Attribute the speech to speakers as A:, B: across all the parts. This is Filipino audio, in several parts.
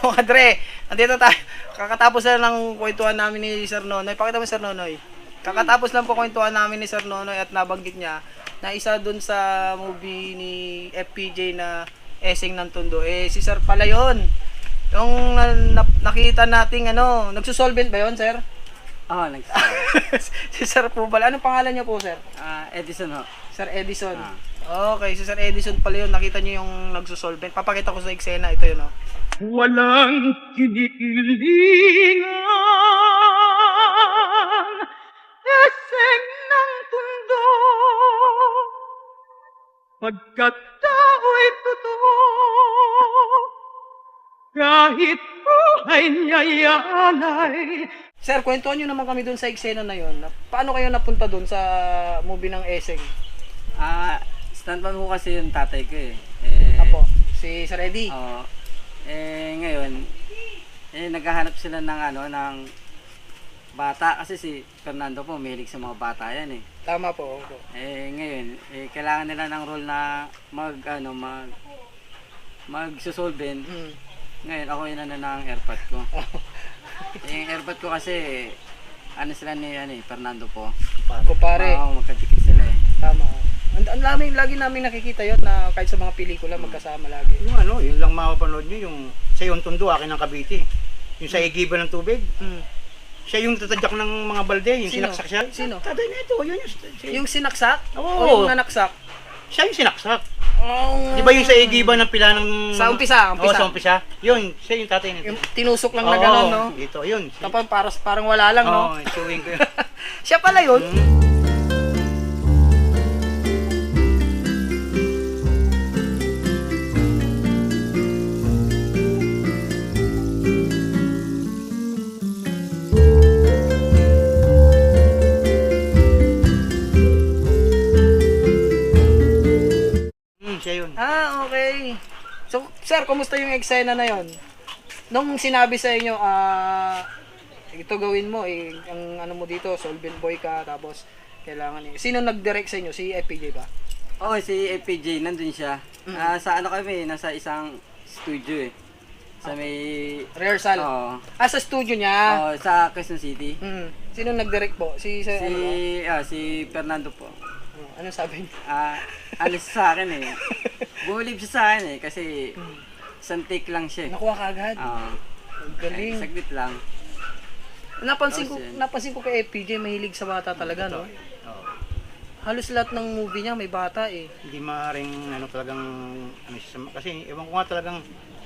A: mga dre, nandito tayo. Kakatapos na ng kwentuhan namin ni Sir Nonoy. Pakita mo Sir Nonoy. Kakatapos lang po kwentuhan namin ni Sir Nonoy at nabanggit niya na isa dun sa movie ni FPJ na Esing ng Tondo. Eh, si Sir pala yun. Yung nakita nating ano, nagsusolvent ba yun, Sir?
B: Oo,
A: Si Sir po pala. Anong pangalan niyo po, Sir?
B: Edison ho.
A: Sir Edison. Okay, si Sir Edison pala yun. Nakita niyo yung nagsusolvent. Papakita ko sa eksena. Ito yun, oh.
C: Walang kinikilingan, eseng ng tundo, pagkat tao'y totoo, kahit buhay niya'y alay.
A: Sir, kwentuhan nyo naman kami dun sa eksena na yun. Paano kayo napunta dun sa movie ng Eseng?
B: Stuntman ko kasi yung tatay ko eh.
A: Apo, si Sir Eddie.
B: Oo. Ngayon, naghahanap sila ng ng bata kasi si Fernando po mahilig sa mga bata yan eh.
A: Tama po. Opo.
B: Ngayon, kailangan nila ng role na magsusolvent. Ngayon, ako yun ng airpot ko. Yung airpot ko kasi, sila ni Fernando po.
A: Kupare.
B: Oo, magkadikit sila eh.
A: Tama. Lagi namin nakikita yun na kahit sa mga pelikula magkasama lagi.
D: Yung yun lang mapapanood nyo, yung sa yung Tondo, akin ng Cavite. Yung sa igiba ng tubig. Siya yung tatadyak ng mga balde, yung
A: Sino?
D: sinaksak siya.
A: Sino?
D: Tatay na ito, yun
A: Yung sinaksak?
D: Oo.
A: O yung nanaksak?
D: Siya yung sinaksak.
A: Oh,
D: Di ba yung sa igiba ng pila ng...
A: Sa umpisa?
D: Oo, sa umpisa. Yun, siya yung tatay nito.
A: Yung tinusok lang na gano'n, no?
D: Dito, yun.
A: Tapos parang wala lang, no?
D: Oo, chewing ko yun.
A: Siya pala yun.
D: Siya yun.
A: Okay. So, sir, kumusta yung eksena na yon? Nung sinabi sa inyo, ito gawin mo, ang ano mo dito, solvent boy ka, tapos kailangan sino nag-direct sa inyo? Si FPJ ba?
B: Oo, si FPJ, nandun siya. Sa kami, nasa isang studio eh. Sa may...
A: Rehearsal?
B: Oo.
A: Sa studio niya?
B: Oo, sa Quezon City.
A: Sino nag-direct po?
B: Si Fernando po.
A: Ano sabi niya?
B: Alis sa akin eh. Bumilib siya sa akin eh, kasi isang take lang siya eh.
A: Nakuha ka agad?
B: Oo.
A: Ang galing.
B: Saglit lang.
A: Napansin ko kay FPJ, mahilig sa bata talaga, no?
D: Oo.
A: Halos lahat ng movie niya may bata eh.
D: Hindi maaaring talagang siya, kasi ewan ko nga talagang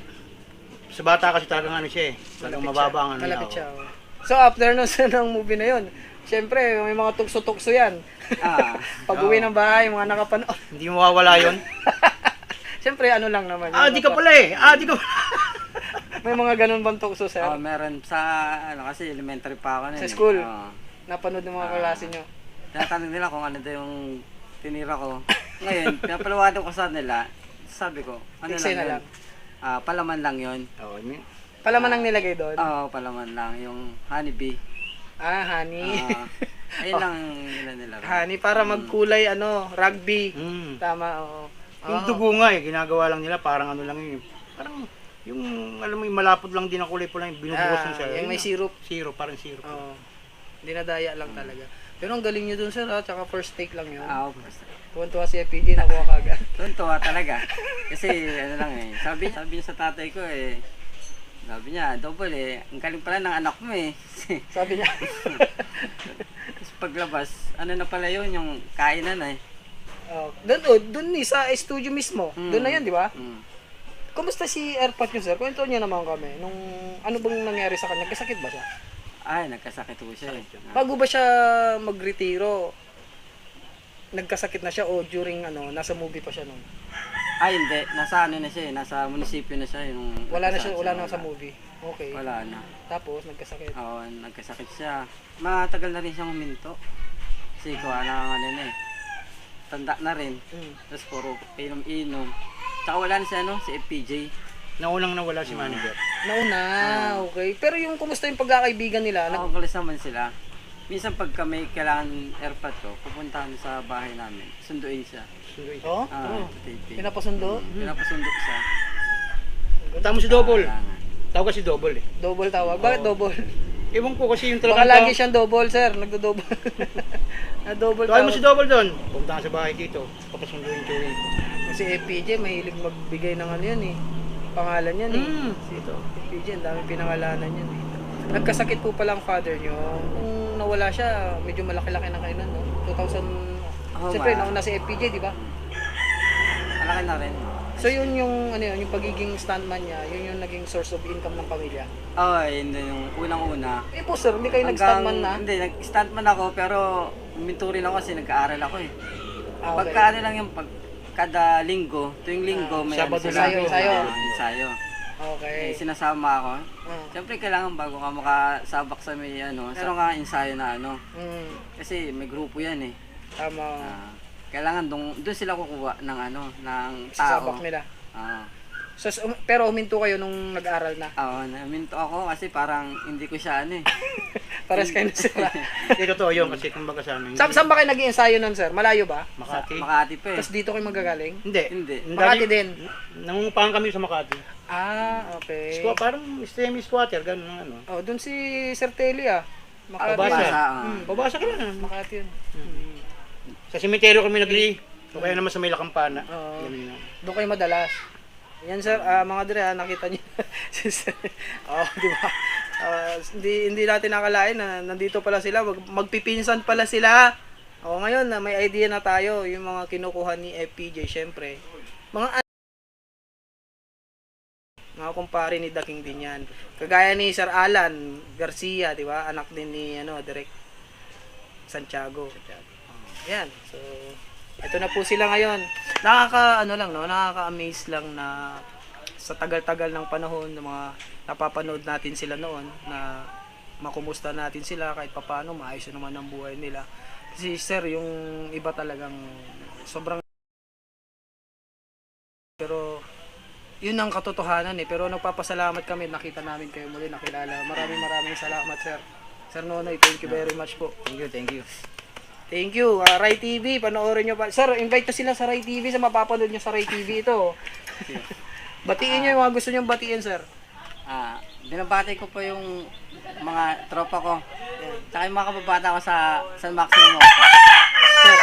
D: sa bata kasi talagang siya eh. Talagang mababa ang
A: Malapit siya. Oh. So after nun sa ng movie na yun, syempre may mga tukso-tukso yan. Pag uwi ng bahay, mga nakapanood.
D: Hindi mawawala yun.
A: Syempre ano lang naman.
D: Di ka pala eh. Di ka
A: May mga ganun bang tukso, sir?
B: Meron sa kasi elementary pa ako
A: Sa school?
B: Oo.
A: Napanood ng mga klase nyo?
B: Tinatanong nila kung ano daw yung tinira ko. Ngayon, pinapalawanan ko sa nila. Sabi ko, ano
A: Eksena
B: lang yun? Palaman lang yun.
A: Palaman ang nilagay doon?
B: Oo, palaman lang. Yung honeybee.
A: Honey.
B: Ayun lang nila.
A: Honey, para magkulay, rugby. Tama, oo.
D: Yung dugo nga ginagawa lang nila parang ano lang yun. Parang yung alam mo yung malapot lang din ang kulay pula yung binubuhos lang siya.
A: Yung may syrup.
D: Syrup, parang syrup.
A: Oo. Dinadaya lang talaga. Pero ang galing nyo dun, sir, tsaka first take lang yun.
B: First take.
A: Tuwan-tuwa si FPJ, nakuha ka agad.
B: Tuntua talaga. Kasi ano lang eh. Sabi niya sa tatay ko eh. Sabi niya, double eh. Ang galing pala ng anak mo eh.
A: Sabi niya.
B: Tapos paglabas, ano na pala yun, yung kainan eh.
A: Doon sa studio mismo. Doon na yan, di ba? Kumusta si Airpot nyo, sir? Kwento niya naman kami. Ano bang nangyari sa kanya? Kasakit ba siya?
B: Ay, nagkasakit po siya eh.
A: Bago ba siya magretiro, nagkasakit na siya o during nasa movie pa siya noon?
B: Ay, hindi. Nasa na siya eh. Nasa munisipyo na siya.
A: Wala na sa movie. Okay.
B: Wala na.
A: Tapos, nagkasakit.
B: Oo, nagkasakit siya. Matagal na rin siyang huminto. Kasi kuha na na eh. Tanda na rin. Tapos puro inom-inom. Tsaka wala na si FPJ.
D: Naunang nawala si manager.
A: Nauna, okay. Pero yung kumusta yung pagkakaibigan nila?
B: Nakakulis naman sila. Minsan pag kami kailangan airpot ko, pupuntahan sa bahay namin. Sunduin siya.
A: Oh?
B: Tapos
A: Pinapasundo?
B: pinapasundo siya.
D: Punta mo si Double.
B: Kailangan.
D: Tawag kasi double eh.
A: Double tawag. Bakit double?
D: Ewan ko kasi yung
A: Baka
D: talagang
A: lagi siyang double, sir. Nagdo-double. Na double
D: Tawag mo si
A: tawag.
D: double doon. Pumunta ka sa bahay dito. Papasunduin chewin ko.
A: Kasi FPJ, mahilig magbigay ng ano yan eh. Pangalan yan eh.
D: Si ito.
A: FPJ, ang dami pinangalanan yan eh. Nagkasakit po pala ang father nyo. Nung nawala siya, medyo malaki-laki na kayo nun, no? 2000...
B: Oo,
A: Siyempre,
B: ma.
A: nauna si FPJ, di ba?
B: Malaki na rin.
A: So yun yung ano yun, yung pagiging stuntman niya, yun yung naging source of income ng pamilya.
B: Oo, yun din yung unang-una.
A: Eh po sir, hindi kayo nag-stuntman na?
B: Hindi, nag-stuntman ako pero huminto rin ako kasi nag-aaral ako eh.
A: Ah, okay.
B: Pagka ano lang yung kada linggo, tuwing linggo may
D: Sabado
B: ano sila.
A: lang. Ensayo.
B: Ensayo.
A: Okay.
B: Eh, sinasama ako.
A: Ah.
B: Siyempre kailangan bago ka makasabak sa may ano, meron ka ensayo na ano. Kasi may grupo yan eh.
A: Tama.
B: Kailangan doon sila kukuha ng ano, ng
A: Sasabak
B: tao.
A: nila.
B: Oo.
A: So, pero huminto kayo nung nag-aral na.
B: Oo, naminto ako kasi parang hindi ko siya ano eh.
A: Pares kayo na sila.
D: Hindi totoo yun kasi kumbaga sa amin.
A: Saan ba kayo nag-ensayo nun sir? Malayo ba?
D: Makati.
B: Makati pa eh.
A: Tapos dito kayo magagaling?
D: Hindi.
B: Hindi.
A: Makati din?
D: Nangungupahan kami sa Makati.
A: Ah, okay.
D: Parang semi-squatter, gano'n ang ano.
A: Oh, dun si Sir Telly ah. Makati.
D: Pabasa.
B: Pabasa,
D: Pabasa ka lang.
A: Makati yun.
D: Sa sementeryo kami nagli. O kaya naman sa may Lakampana.
A: Oo.
D: Ganun yun.
A: Doon kayo madalas. Yan sir, mga dire, nakita niyo. Di ba? Hindi natin nakalain na nandito pala sila, magpipinsan pala sila. Ngayon na may idea na tayo, yung mga kinukuha ni FPJ, syempre. Mga kumpare ni The King din yan. Kagaya ni Sir Alan Garcia, di ba? Anak din ni Direk Santiago. Yan. So, ito na po sila ngayon. Nakaka-amaze lang na sa tagal-tagal ng panahon ng mga napapanood natin sila noon na makumusta natin sila kahit papaano maayos na naman ang buhay nila. Kasi sir, yung iba talagang sobrang pero yun ang katotohanan eh. Pero nagpapasalamat kami, nakita namin kayo muli, nakilala. Maraming salamat sir. Sir Nonoy, thank you very much po.
D: Thank you, thank you.
A: Thank you. Rai TV, panoorin nyo pa. Sir, invite nyo sila sa Rai TV sa mapapanood nyo sa Rai TV ito. Batiin nyo yung mga gusto nyo batiin, sir.
B: Binabati ko po yung mga tropa ko. Tsaka yung mga kababata ko sa San Maximo.
A: Sir,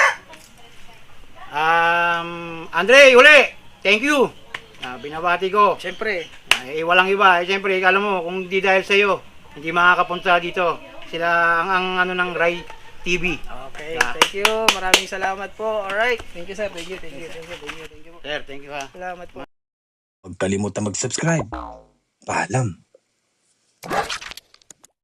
D: Andre, uli! Thank you! Binabati ko.
A: syempre.
D: Walang iba. Siyempre, alam mo, kung di dahil sa'yo, hindi makakapunta dito. Sila ang ano ng Rai TV.
A: Okay, thank you. Maraming salamat po. Alright. Thank you, sir. Thank you po.
D: Sir, thank you ha.
A: Salamat po.
E: Huwag kalimutan mag-subscribe. Paalam.